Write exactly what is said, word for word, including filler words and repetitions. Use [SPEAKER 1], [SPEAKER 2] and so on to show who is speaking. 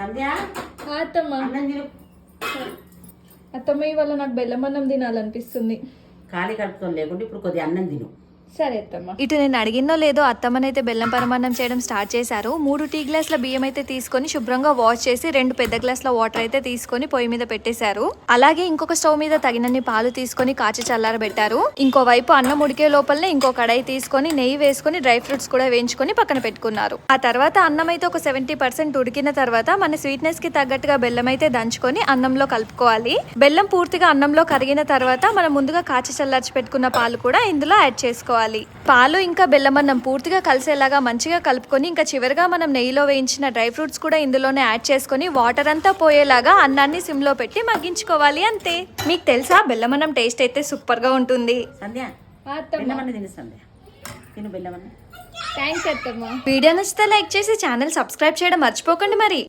[SPEAKER 1] సంధ్య
[SPEAKER 2] అత్తమ్మ
[SPEAKER 1] అన్నం తిను.
[SPEAKER 2] అత్తమ్మ ఇవాళ నాకు బెల్లం అన్నం తినాలనిపిస్తుంది.
[SPEAKER 1] ఖాళీ కడుపుతో లేకుంటే ఇప్పుడు కొద్దిగా అన్నం తిను.
[SPEAKER 2] సరే అత్తమ్మ.
[SPEAKER 3] ఇటు నేను అడిగినో లేదో అత్తమ్మనైతే బెల్లం పరమాన్నం చేయడం స్టార్ట్ చేశారు. మూడు టీ గ్లాసుల బియ్యం అయితే తీసుకొని శుభ్రంగా వాష్ చేసి రెండు పెద్ద గ్లాసుల వాటర్ అయితే తీసుకొని పొయ్యి మీద పెట్టేశారు. అలాగే ఇంకొక స్టవ్ మీద తగినన్ని పాలు తీసుకొని కాచి చల్లారబెట్టారు. ఇంకోవైపు అన్నం ఉడికే లోపలనే ఇంకో కడాయి తీసుకొని నెయ్యి వేసుకొని డ్రై ఫ్రూట్స్ కూడా వేయించుకొని పక్కన పెట్టుకున్నారు. ఆ తర్వాత అన్నం అయితే ఒక సెవెంటీ పర్సెంట్ ఉడికిన తర్వాత మన స్వీట్నెస్ కి తగ్గట్టుగా బెల్లం అయితే దంచుకొని అన్నంలో కలుపుకోవాలి. బెల్లం పూర్తిగా అన్నంలో కరిగిన తర్వాత మనం ముందుగా కాచి చల్లార్చి పెట్టుకున్న పాలు కూడా ఇందులో యాడ్ చేసుకోవాలి. పాలు ఇంకా బెల్లం అన్నం పూర్తిగా కలిసేలాగా మంచిగా కలుపుకొని ఇంకా చివరిగా మనం నెయ్యిలో వేయించిన డ్రై ఫ్రూట్స్ కూడా ఇందులోనే యాడ్ చేసుకొని వాటర్ అంతా పోయేలాగా అన్నాన్ని సిమ్ లో పెట్టి మగ్గించుకోవాలి. అంతే. మీకు తెలుసా బెల్లం అన్నం టేస్ట్ అయితే సూపర్ గా ఉంటుంది.
[SPEAKER 1] సంధ్య
[SPEAKER 2] అత్తమ్మ
[SPEAKER 1] బెల్లం అన్న తిను. సంధ్య తిను బెల్లం అన్న.
[SPEAKER 2] థ్యాంక్స్ అత్తమ్మ.
[SPEAKER 3] వీడియో నచ్చితే లైక్ చేసి ఛానల్ సబ్స్క్రైబ్ చేయడం మర్చిపోకండి మరి.